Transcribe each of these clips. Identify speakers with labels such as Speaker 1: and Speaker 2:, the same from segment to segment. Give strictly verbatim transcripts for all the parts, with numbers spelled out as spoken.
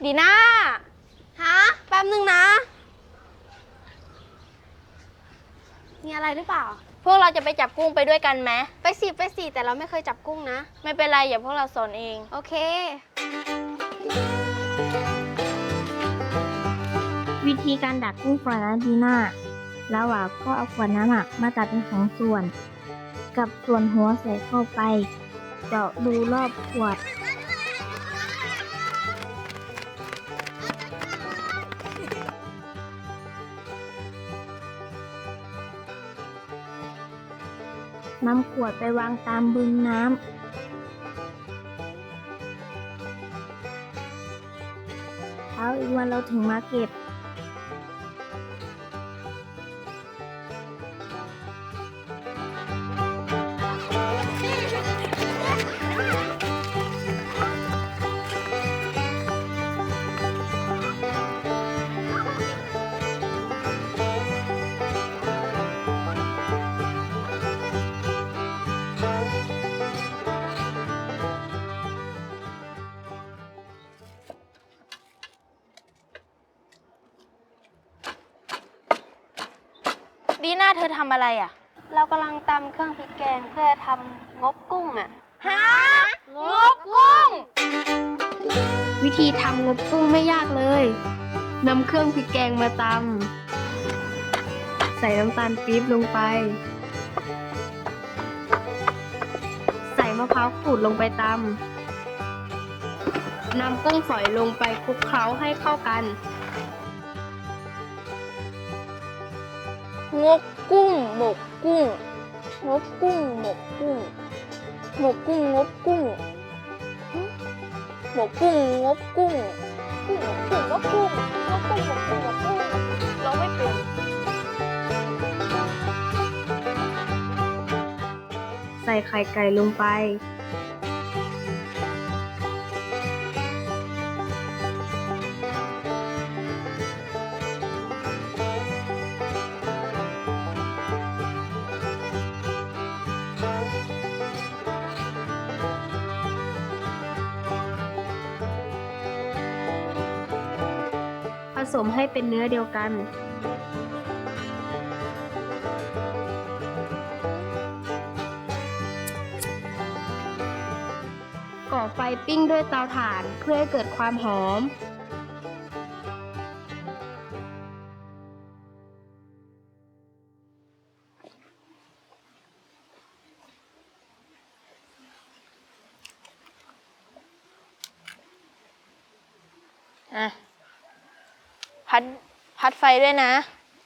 Speaker 1: ดีน่าฮะแป๊บนึงนะมีอะไรหรือเปล่าพวกเราจะไปจับกุ้งไปด้วยกันไหมไปสิไปสิแต่เราไม่เคยจับกุ้งนะไม่เป็นไรอย่าพวกเราสอนเองโอเค
Speaker 2: วิธีการดักกุ้งฝอยนะดีน่าแล้วอ่ะก็เอาขวดน้ำอ่ะมาตัดเป็นสองส่วนกับส่วนหัวใส่เข้าไปเจาะดูรอบขวดนำขวดไปวางตามบึงน้ำเช้าอีกวันเราถึงมาเก็บ
Speaker 1: ดีน่าเธอทำอะไรอ่ะเรากำลังตำเครื่องพริกแกงเพื่อทำงบกุ้งอ่ะฮะงบกุ้ง
Speaker 2: วิธีทำงบกุ้งไม่ยากเลยนำเครื่องพริกแกงมาตำใส่น้ำตาลปี๊บลงไปใส่มะพร้าวขูดลงไปตำนำกุ้งฝอยลงไปคลุกเคล้าให้เข้ากัน
Speaker 1: งบกุ้งหมกกุ้งงบกุ้งหมกกุ้งหมกกุ้งงบกุ้งหมกกุ้งงบกุ้งกุ้งหมกกุ้งงบกุ้งงบกุ้งหมกกุ้งหมกกุ้งเราไม่เป็น
Speaker 2: ใส่ไข่ไก่ลงไปผสมให้เป็นเนื้อเดียวกันก่อไฟปิ้งด้วยเตาถ่านเพื่อให้เกิดความหอม
Speaker 1: อ่ะพัดพัดไฟด้วยนะ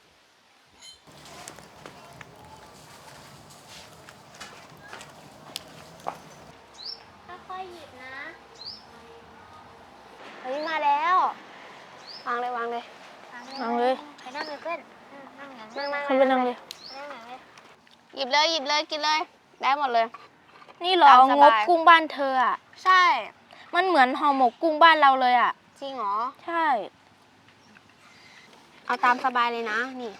Speaker 1: ค่อยๆหยิบนะเฮ้ยมาแล้ววางเลยวางเลยวางเลย
Speaker 2: ใครนั่งเลยเพื่อนนั่งอย่าง
Speaker 1: นั่งนั่งเลยนั่งเลยหยิบเลยหยิบเลยกินเลยได้หมดเลยนี่เหรองบกุ้งบ้านเธออ่ะใช่มันเหมือนห่อหมกกุ้งบ้านเราเลยอ่ะจริงเหรอใช่เอาตามสบายเลยนะนี่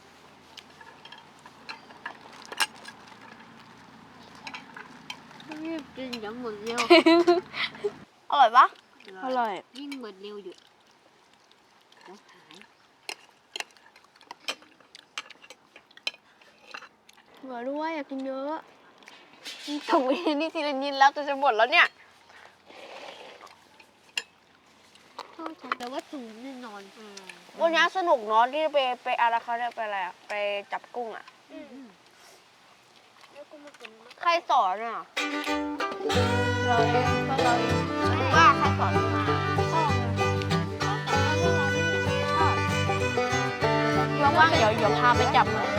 Speaker 2: รีบกินอย่าหมดเร็ว
Speaker 1: อร่อยปะอร่อย
Speaker 2: ยิ่งหมดเร็วอยู่แล้วหาย
Speaker 1: เหลือด้วยอยากกินเยอะถุงนี่ทีละนิดแล้วจะจะหมดแล้วเนี่ย
Speaker 2: แต่ว่าถุงแน่นอน
Speaker 1: วันนี้สนุกเนาะที่ไปไปอะไรเขาเนี่ยไปอะไรอะไปจับกุ้งอ่ะใครสอนอ่ะเราเองก็เราเองว่าใครสอนมาว่างๆเดี๋ยวเดี๋ยวพาไปจับหน่อย